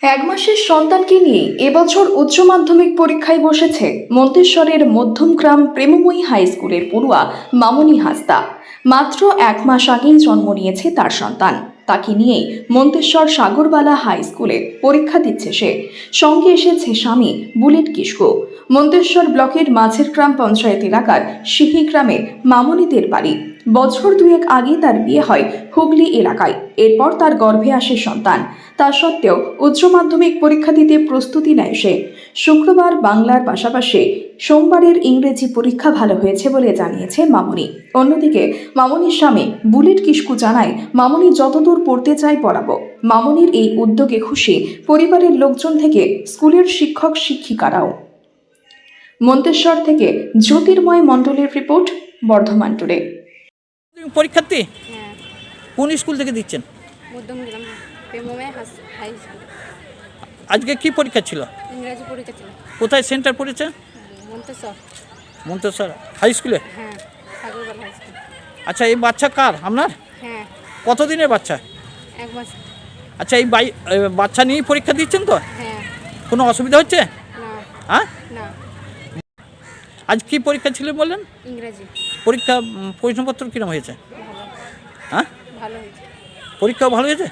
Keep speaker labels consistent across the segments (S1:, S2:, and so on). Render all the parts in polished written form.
S1: এক মাসের সন্তানকে নিয়ে এবছর উচ্চ মাধ্যমিক পরীক্ষায় বসেছে মন্তেশ্বরের মধ্যমগ্রাম প্রেমময়ী হাই স্কুলের পড়ুয়া মামনি হাসদা। মাত্র এক মাস আগেই জন্ম নিয়েছে তার সন্তান। তাকে নিয়েই মন্তেশ্বর সাগরবালা হাই স্কুলে পরীক্ষা দিচ্ছে সে। সঙ্গে এসেছে স্বামী বুলেট কিসকো। মন্তেশ্বর ব্লকের মাঝের গ্রাম পঞ্চায়েত এলাকার সিহি গ্রামের মামনিদের বাড়ি। বছর দুয়েক আগে তার বিয়ে হয় হুগলি এলাকায়। এরপর তার গর্ভে আসে সন্তান। তা সত্ত্বেও উচ্চ মাধ্যমিক পরীক্ষা দিতে প্রস্তুতি নেয় সে। শুক্রবার বাংলার পাশাপাশি সোমবারের ইংরেজি পরীক্ষা ভালো হয়েছে বলে জানিয়েছে মামনি। অন্যদিকে মামনির স্বামী বুলেট কিসকু জানায়, মামনি যতদূর পড়তে চায় পড়াবো। মামনির এই উদ্যোগে খুশি পরিবারের লোকজন থেকে স্কুলের শিক্ষক শিক্ষিকারাও। মন্তেশ্বর থেকে জ্যোতির্ময় মণ্ডলের রিপোর্ট, বর্ধমান টুডে।
S2: পরীক্ষার্থী
S3: হ্যাঁ,
S2: কোন স্কুল থেকে দিচ্ছেন?
S3: মধ্যমগ্রাম প্রেমময় হাই স্কুল।
S2: আজকে কি পরীক্ষা ছিল?
S3: ইংরাজি পরীক্ষা ছিল।
S2: কোথায় সেন্টার পড়েছে?
S3: মন্তেশ্বর।
S2: মন্তেশ্বর হাই স্কুলে।
S3: হ্যাঁ, সাগরবালা হাই স্কুল।
S2: আচ্ছা, এই বাচ্চা কার? আপনার?
S3: হ্যাঁ,
S2: কতদিনের বাচ্চা?
S3: এক মাস।
S2: আচ্ছা, এই বাচ্চা নিয়েই পরীক্ষা দিচ্ছেন তো?
S3: হ্যাঁ।
S2: কোনো অসুবিধা হচ্ছে?
S3: না।
S2: হ্যাঁ,
S3: না।
S2: আজ কি পরীক্ষা ছিল বললেন?
S3: ইংরাজি।
S2: পরীক্ষা প্রশ্নপত্র কিরকম হয়েছে?
S3: ভালো।
S2: হ্যাঁ,
S3: ভালো হয়েছে।
S2: পরীক্ষাও ভালো হয়েছে।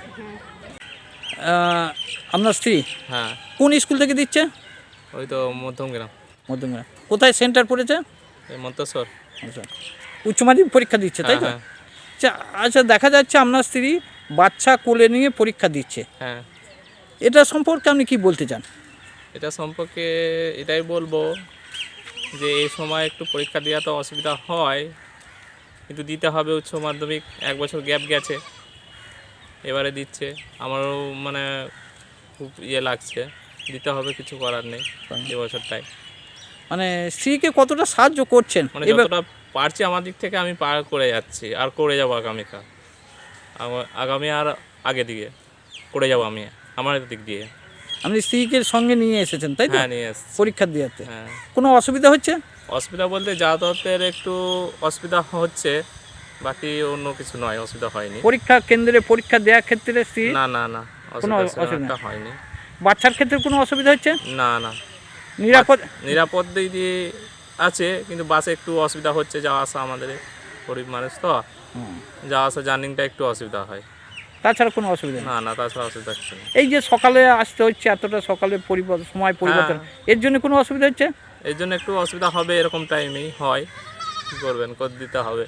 S3: হ্যাঁ।
S2: আপনার স্ত্রী
S4: হ্যাঁ,
S2: কোন স্কুল থেকে দিচ্ছে?
S4: ওই তো মধ্যমগ্রাম,
S2: মধ্যমগ্রাম। কোথায় সেন্টার পড়েছে?
S4: এই মন্তেশ্বর।
S2: আচ্ছা, উচ্চ মাধ্যমিক পরীক্ষা দিচ্ছে তাই তো?
S4: হ্যাঁ,
S2: আচ্ছা আচ্ছা, দেখা যাচ্ছে আপনার স্ত্রী বাচ্চা কোলে নিয়ে পরীক্ষা দিচ্ছে।
S4: হ্যাঁ,
S2: এটা সম্পর্কে আপনি কি বলতে চান?
S4: এটা সম্পর্কে এটাই বলবো যে এই সময় একটু পরীক্ষা দেওয়া তো অসুবিধা হয়, কিন্তু দিতে হবে। উচ্চ মাধ্যমিক এক বছর গ্যাপ গেছে, এবারে দিচ্ছে। আমারও মানে খুব লাগছে, দিতে হবে, কিছু করার নেই এবছরটাই।
S2: মানে স্ত্রীকে কতটা সাহায্য করছেন?
S4: মানে যতটা পারছি আমার দিক থেকে আমি পার করে যাচ্ছি, আর করে যাবো আগামীকাল। আগামী আর আগে দিকে করে যাবো আমি আমার দিক দিয়ে।
S2: আপনি স্ত্রীকে সঙ্গে নিয়ে এসেছেন তাই তো?
S4: হ্যাঁ, নিয়ে এসছি।
S2: পরীক্ষা দিতে
S4: হ্যাঁ,
S2: কোনো অসুবিধা হচ্ছে?
S4: অসুবিধা বলতে যাতায়াতের একটু অসুবিধা হচ্ছে, বাকি অন্য কিছু নয়, অসুবিধা হয়নি।
S2: পরীক্ষা কেন্দ্রে পরীক্ষা দেওয়ার ক্ষেত্রে স্ত্রী
S4: না না না,
S2: কোনো
S4: অসুবিধা
S2: অসুবিধা
S4: হয়নি।
S2: বাচ্চার ক্ষেত্রে কোনো অসুবিধা হচ্ছে?
S4: না না,
S2: নিরাপদ
S4: দিক দিয়ে আছে, কিন্তু বাসে একটু অসুবিধা হচ্ছে, যাওয়া আসা। আমাদের গরিব মানুষ তো, যাওয়া আসা জার্নিংটা একটু অসুবিধা হয়।
S2: তাছাড়া কোনো অসুবিধা নেই?
S4: না না, তাছাড়া অসুবিধা হচ্ছে না।
S2: এই যে সকালে আসতে হচ্ছে, এতটা সকালে সময় পরিবর্তন, এর জন্য কোনো অসুবিধা হচ্ছে?
S4: এই জন্য একটু অসুবিধা হবে, এরকম টাইমেই হয়। কী করবেন, করে দিতে হবে।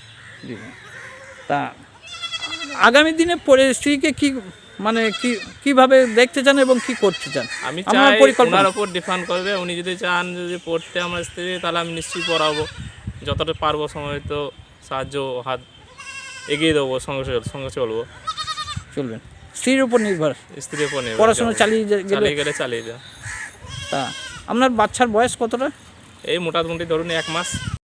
S2: তা আগামী দিনে স্ত্রীকে কি মানে কিভাবে দেখতে চান এবং কি করতে চান?
S4: আমি
S2: আমার
S4: চাই
S2: পরিকল্পনা
S4: ওনার ওপর ডিপেন্ড করবে। উনি যদি চান যদি পড়তে আমার স্ত্রী, তাহলে আমি নিশ্চয়ই পড়াবো, যতটা পারবো। সময় তো সাহায্য হাত এগিয়ে দেবো, সঙ্গে চলবো।
S2: চলবেন স্ত্রীর উপর নির্ভর,
S4: স্ত্রীর উপর নির্ভর,
S2: পড়াশোনা চালিয়ে
S4: গেলে চালিয়ে যা।
S2: তা আপনার বাচ্চার বয়স কতটা?
S4: এই মোটামুটি ধরুন 1 মাস।